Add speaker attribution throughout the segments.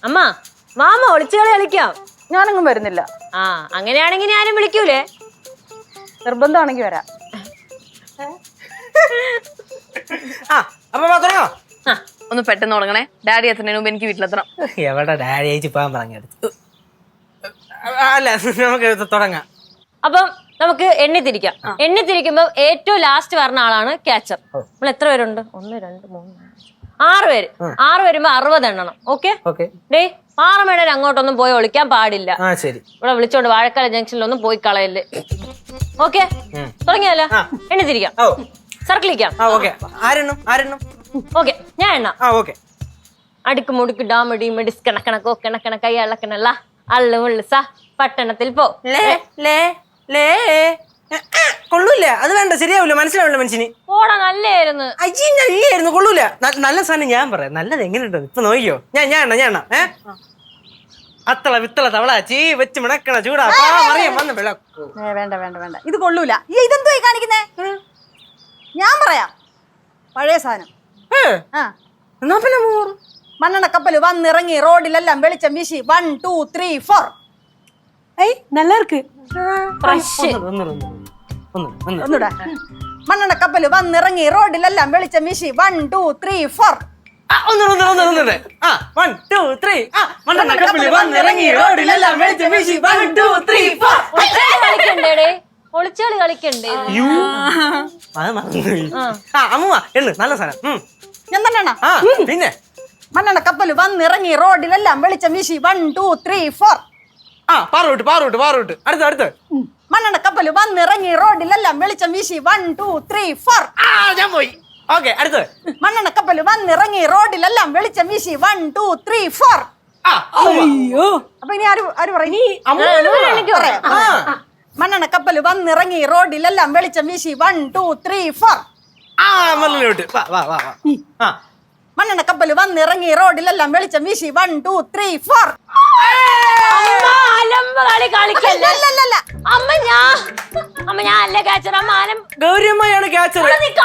Speaker 1: അമ്മ മാമ ഒളിച്ചുകളി കളിക്കാം.
Speaker 2: ഞാനങ്ങും വരുന്നില്ല.
Speaker 1: ആ അങ്ങനെയാണെങ്കിൽ ഞാനും വിളിക്കൂലേ?
Speaker 2: നിർബന്ധമാണെങ്കിൽ വരാം.
Speaker 3: ഒന്ന് പെട്ടെന്ന് തുടങ്ങണേ. ഡാഡി എത്തുന്നതിന് മുമ്പ് എനിക്ക് വീട്ടിലെത്തണം.
Speaker 4: എവിടെ ഡാഡി അയച്ചു പോകാൻ പറഞ്ഞെടുത്തു. അല്ല നമുക്ക് തുടങ്ങാം.
Speaker 1: അപ്പം നമുക്ക് എണ്ണിത്തിരിക്കാം. എണ്ണിത്തിരിക്കുമ്പോ ഏറ്റവും ലാസ്റ്റ് പറഞ്ഞ ആളാണ് ക്യാച്ചർ. നമ്മൾ എത്ര പേരുണ്ട്? 1 2 3 6 പേര്. 6 വരുമ്പോ 60 എണ്ണണം. ഓക്കെ? ഡേ 6 മണിവരെ അങ്ങോട്ടൊന്നും പോയി ഒളിക്കാൻ പാടില്ല. ഇവിടെ വിളിച്ചോണ്ട് വാഴക്കാല ജംഗ്ഷനിലൊന്നും പോയി കളയല്ലേ. ഓക്കെ? തുടങ്ങിയാലോ? എണ്ണിത്തിരിക്കാം. സർക്കിളിക്കാം. ഓക്കെ ഞാൻ എണ്ണ. അടുക്ക് മുടുക്ക് ഡാമടി മെഡിസ് കണക്കണക്കോ കണക്കണ കൈ അളക്കണല്ല അള്ളു ഉള്ളു സ പട്ടണത്തിൽ പോ.
Speaker 4: കൊള്ളൂല, അത് വേണ്ട, ശരിയാവില്ല, മനസ്സിലാവില്ല മനുഷ്യന്.
Speaker 1: ഓടാ നല്ലായിരുന്നു.
Speaker 4: നല്ലായിരുന്നു, കൊള്ളൂല. നല്ല സാധനം ഞാൻ പറയാം. നല്ലത് എങ്ങനെയുണ്ടോ ഇപ്പൊ നോക്കിയോ. ഞാൻ അത്തള വിത്തള തവള ചീ വെച്ച് മിണക്കണ ചൂടാ വന്ന് വിളക്കൂ.
Speaker 2: വേണ്ട വേണ്ട വേണ്ട, ഇത് കൊള്ളൂല. ഇതെന്തോ കാണിക്കുന്നേ? ഞാൻ പറയാം, പഴയ സാധനം. മണ്ണെണ്ണ കപ്പല് വന്നിറങ്ങി റോഡിലെല്ലാം വെളിച്ചം വീശി 1 2 3 4.
Speaker 4: நல்லா இருக்கு.
Speaker 2: ഒന്നൂടാ. മണ്ണെണ്ണ കപ്പല് വന്നിറങ്ങി റോഡിലെല്ലാം വെളിച്ചം വീശി 1 2 3 4.
Speaker 1: ഒളിച്ചുകളി കളിക്കണ്ടേ?
Speaker 4: നല്ല സാധനം.
Speaker 2: ഞാൻ തന്നെ
Speaker 4: പിന്നെ
Speaker 2: മണ്ണെണ്ണ കപ്പല് വന്നിറങ്ങി റോഡിലെല്ലാം വെളിച്ചം വീശി 1 2 3 4.
Speaker 4: പാറോട്ട് അടുത്ത്
Speaker 2: മണ്ണെണ്ണ കപ്പല് വന്നിറങ്ങി റോഡിലെല്ലാം വെളിച്ചം വീശി 1 2 3 4.
Speaker 4: ഞാൻ പോയി. ഓക്കെ, അടുത്ത്
Speaker 2: മണ്ണെണ്ണ കപ്പല് വന്നിറങ്ങി റോഡിലെല്ലാം വെളിച്ചം വീശി 1 2 3 4.
Speaker 4: അയ്യോ,
Speaker 2: അപ്പൊ ഇനി ആര് പറയും? മണ്ണെണ്ണ കപ്പല് വന്നിറങ്ങി റോഡിലെല്ലാം വെളിച്ചം വീശി 1 2 3 4. മണ്ണെണ്ണ കപ്പല് വന്നിറങ്ങി റോഡിലെല്ലാം വെളിച്ചം വീശി 1 2 3 4.
Speaker 4: ഗൗരിയമ്മയാണ് ക്യാച്ചർ.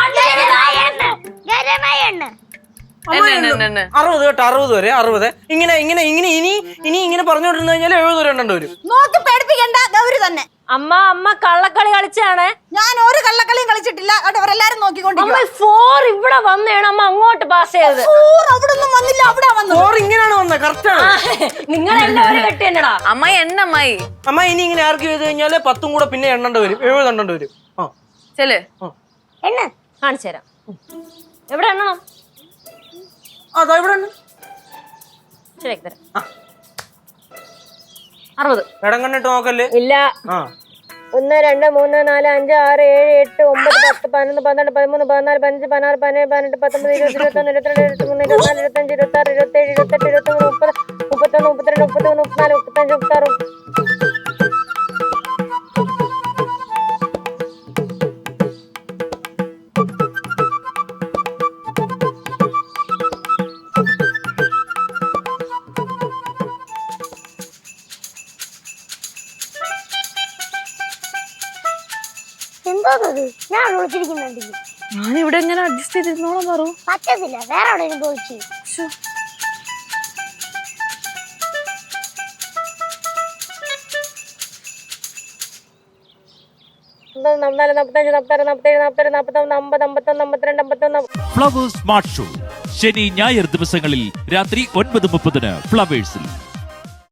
Speaker 4: 60 കേട്ടോ, 60 വരെ 60. ഇങ്ങനെ ഇനി പറഞ്ഞോണ്ടിരുന്നു കഴിഞ്ഞാൽ 70 വരെ എണ്ണേണ്ടി വരും.
Speaker 2: നോക്കി പേടിപ്പിക്കണ്ട, ഗൗരി തന്നെ.
Speaker 1: അമ്മ കള്ളക്കളി കളിച്ചാണ്.
Speaker 2: ഞാൻ ഒരു കള്ളക്കളിയും കളിച്ചിട്ടില്ല. അവരെല്ലാരും നോക്കിക്കൊണ്ടിരിക്കും.
Speaker 1: 4 ഇവിടെ വന്നേണ് അമ്മ അങ്ങോട്ട് പാസ് ചെയ്തത്.
Speaker 2: 4 അവിടെ ഒന്നും വന്നില്ല, അവിടെ വന്നു.
Speaker 4: 4 ഇങ്ങനെയാണ് വന്നത്. കറക്റ്റ് ആണ്.
Speaker 1: നിങ്ങളെല്ലാവരും കെട്ടി എന്നടാ
Speaker 3: അമ്മായി എണ്ണമ്മായി.
Speaker 4: അമ്മ ഇനി ഇങ്ങനെ ആർക്ക് ചെയ്ത് കഴിഞ്ഞാല് 10 കൂടെ പിന്നെ എണ്ണേണ്ടി വരും. 70 എണ്ണേണ്ടി വരും.
Speaker 1: എണ്ണ കാണിച്ചു തരാം. എവിടെ എണ്ണണം?
Speaker 4: അതാ ഇവിടെ
Speaker 1: ശരിയാക്കി തരാം. 60.
Speaker 4: ഇടം കണ്ടിട്ട് നോക്കല്ലേ?
Speaker 1: ഇല്ല. 1 2 3 4 5 6 7 8 9 10 11 12 13 14 15 16 17 18 19 20 21 22 23 24 25 26 27 28 29 30 31 32 33 34 35 36.
Speaker 5: ഞാൻ വിളിച്ചിരിക്കുന്നുണ്ട്.
Speaker 3: ഞാനിവിടെ എങ്ങനെ അഡ്ജസ്റ്റ് ചെയ്തിരുന്നോളാം പറ.
Speaker 5: പറ്റത്തില്ല, വേറെ എവിടെയും പോയിച്ചു.
Speaker 6: ഫ്ലവേഴ്സ് സ്മാർട്ട് ഷോ ശനി ഞായർ ദിവസങ്ങളിൽ രാത്രി 9:30 ഫ്ലവേഴ്സിൽ.